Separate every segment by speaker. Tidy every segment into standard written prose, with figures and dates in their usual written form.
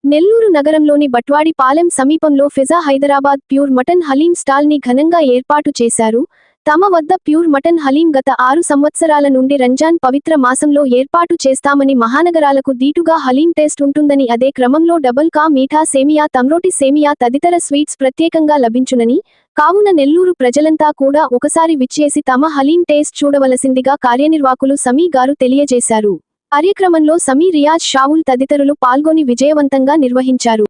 Speaker 1: నెల్లూరు నగరంలోని బట్వాడి పాలెం సమీపంలో ఫిజా Hyderabad pure mutton haleem stall ని ఘనంగా ఏర్పాటు చేశారు. తమ వద్ద ప్యూర్ మటన్ హలీం గత 6 సంవత్సరాల నుండి రంజాన్ పవిత్ర మాసంలో ఏర్పాటు చేస్తామని, మహానగరాలకు దీటుగా హలీం టేస్ట్ ఉంటుందని, అదే క్రమంలో డబుల్ కా మీఠా సేమియా, తమ్రోటి సేమియా తదితర స్వీట్స్ ప్రత్యేకంగా లభించునని, కావున నెల్లూరు ప్రజలంతా కూడా ఒకసారి విచ్చేసి తమ హలీం టేస్ట్ చూడవలసిందిగా కార్యనిర్వాహకులు సమీ గారు తెలియజేశారు. కార్యక్రమంలో సమీ, రియాజ్, షావుల్ తదితరులు పాల్గొని విజయవంతంగా నిర్వహించారు.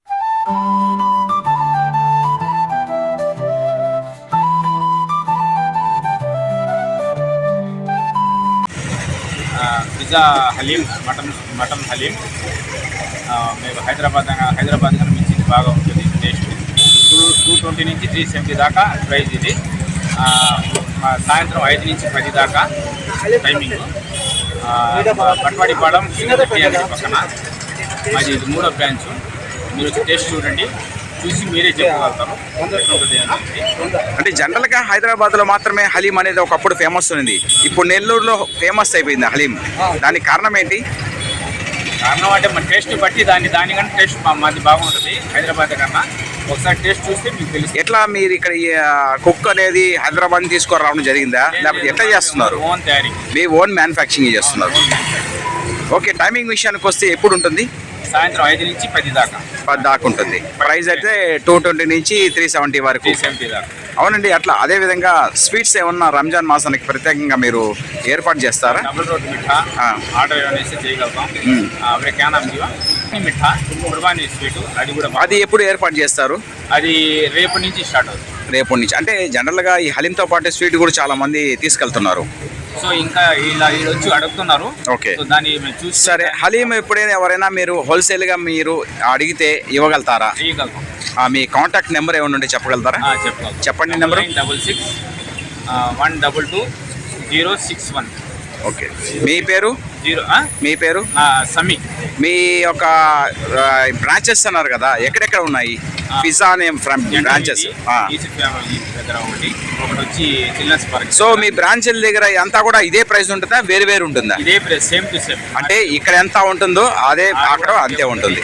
Speaker 2: పిజ్జా హలీం, మటన్ హలీం మేము హైదరాబాద్ మించి బాగా ఉంటుంది టేస్ట్. 220 నుంచి 370 దాకా ప్రైజ్ ఇది. సాయంత్రం 5 నుంచి 10 దాకా టైమింగ్. బట్వాడి పాలెం పక్కన మాది ఇది 3వ బ్రాంచ్. మీరు వచ్చి టేస్ట్ చూడండి, చూసి మీరే చెప్పగలుగుతారు.
Speaker 3: అంటే జనరల్గా హైదరాబాద్లో మాత్రమే హలీం అనేది ఒకప్పుడు ఫేమస్ ఉంది, ఇప్పుడు నెల్లూరులో ఫేమస్ అయిపోయింది హలీం. దానికి కారణం ఏంటి?
Speaker 2: కారణం అంటే మన టేస్ట్ బట్టి దానికన్నా టేస్ట్ మాది బాగుంటుంది హైదరాబాద్ కన్నా. ఒకసారి టేస్ట్ చూస్తే మీకు తెలుసు.
Speaker 3: ఎట్లా మీరు ఇక్కడ కుక్ అనేది హైదరాబాద్ తీసుకురావడం జరిగిందా, లేకపోతే ఎట్లా చేస్తున్నారు?
Speaker 2: ఓన్ తయారీ,
Speaker 3: మీ ఓన్ మ్యానుఫ్యాక్చరింగ్ చేస్తున్నారు. ఓకే, టైమింగ్ విషయానికి వస్తే ఎప్పుడు ఉంటుంది?
Speaker 2: సాయంత్రం 5 నుంచి 10 దాకా
Speaker 3: ఉంటుంది. ప్రైస్ అయితే 220 నుంచి 370 వరకు.
Speaker 2: 370 దాకా.
Speaker 3: అవునండి. అట్లా అదే విధంగా స్వీట్స్ ఏమన్నా రంజాన్ మాసానికి ప్రత్యేకంగా మీరు ఏర్పాటు చేస్తారా?
Speaker 2: డబుల్ రోటీ మిఠా ఆర్డర్ అనేసి చేయగలుగుతాం. అప్పుడే క్యాన్ మిఠా కుర్బానీ స్వీట్ అది కూడా.
Speaker 3: అది ఎప్పుడు ఏర్పాటు చేస్తారు?
Speaker 2: అది రేపు నుంచి స్టార్ట్ అవుతుంది.
Speaker 3: రేపటి నుంచి అంటే జనరల్గా ఈ హలీంతో పాటు స్వీట్ కూడా చాలా మంది తీసుకెళ్తున్నారు.
Speaker 2: సో ఇంకా ఇలా వచ్చి అడుగుతున్నారు.
Speaker 3: ఓకే,
Speaker 2: దాన్ని చూసి.
Speaker 3: సరే, హలీం ఎప్పుడైనా ఎవరైనా మీరు హోల్సేల్గా మీరు అడిగితే ఇవ్వగలుగుతారా?
Speaker 2: ఇవ్వగలుగుతాం.
Speaker 3: మీ కాంటాక్ట్ నెంబర్ ఏమైనా ఉంటే చెప్పగలుగుతారా? చెప్పండి. నెంబర్
Speaker 2: 66 122 061.
Speaker 3: ఓకే, మీ పేరు? మీ పేరు?
Speaker 2: సమీ.
Speaker 3: మీ యొక్క బ్రాంచెస్ అన్నారు కదా, ఎక్కడెక్కడ ఉన్నాయి? పిజ్జా అనే బ్రాంచెస్. సో మీ బ్రాంచెల దగ్గర అంతా కూడా ఇదే ప్రైస్ ఉంటుందా, వేరు వేరు ఉంటుందా?
Speaker 2: ఇదే ప్రైస్, సేమ్ టు సేమ్.
Speaker 3: అంటే ఇక్కడ ఎంత ఉంటుందో అదే అక్కడ అంతే ఉంటుంది.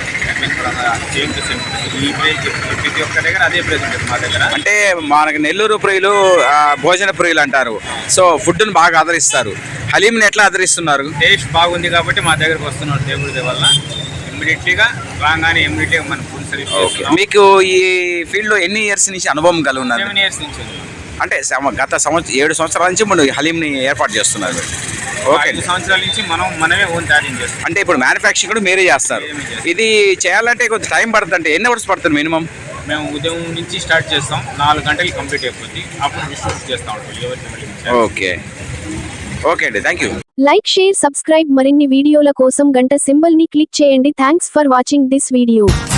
Speaker 3: అంటే మనకు నెల్లూరు ప్రియులు భోజన ప్రియులు అంటారు. సో ఫుడ్ని బాగా ఆదరిస్తారు. హలీంని ఎట్లా ఆదరిస్తున్నారు?
Speaker 2: టేస్ట్ బాగుంది కాబట్టి మా దగ్గరకు వస్తున్నారు. దేవుడి వల్ల ఇమ్మీడియట్లీగా రాగానే మన ఫుడ్ సర్వీస్.
Speaker 3: మీకు ఈ ఫీల్డ్లో ఎన్ని ఇయర్స్ నుంచి అనుభవం కలిగి ఉన్నారు?
Speaker 2: 7 years నుంచి.
Speaker 3: అంటే గత 7 సంవత్సరాల నుంచి మనం హలీంని ఏర్పాటు చేస్తున్నారు. ఓకే,
Speaker 2: 5 సంవత్సరాల నుంచి మనమే ఓన్ తయారీ చేస్తాం.
Speaker 3: అంటే ఇప్పుడు మ్యానుఫ్యాక్చరింగ్ కూడా మీరే చేస్తారు. ఇది చేయాలంటే కొంచెం టైం పడుతుంది. అంటే ఎన్ని అవర్స్ పడుతుంది మినిమం?
Speaker 2: మేము ఉదయం నుంచి స్టార్ట్ చేస్తాం, 4 గంటలు కంప్లీట్ అయిపోతుంది. అప్పుడు డిస్ట్రిబ్యూట్ చేస్తాం.
Speaker 3: ఓకే ఓకే అండి, thank you.
Speaker 1: Like, share, subscribe. మరిన్ని వీడియోల కోసం గంట సింబల్ ని క్లిక్ చేయండి. Thanks for watching this video.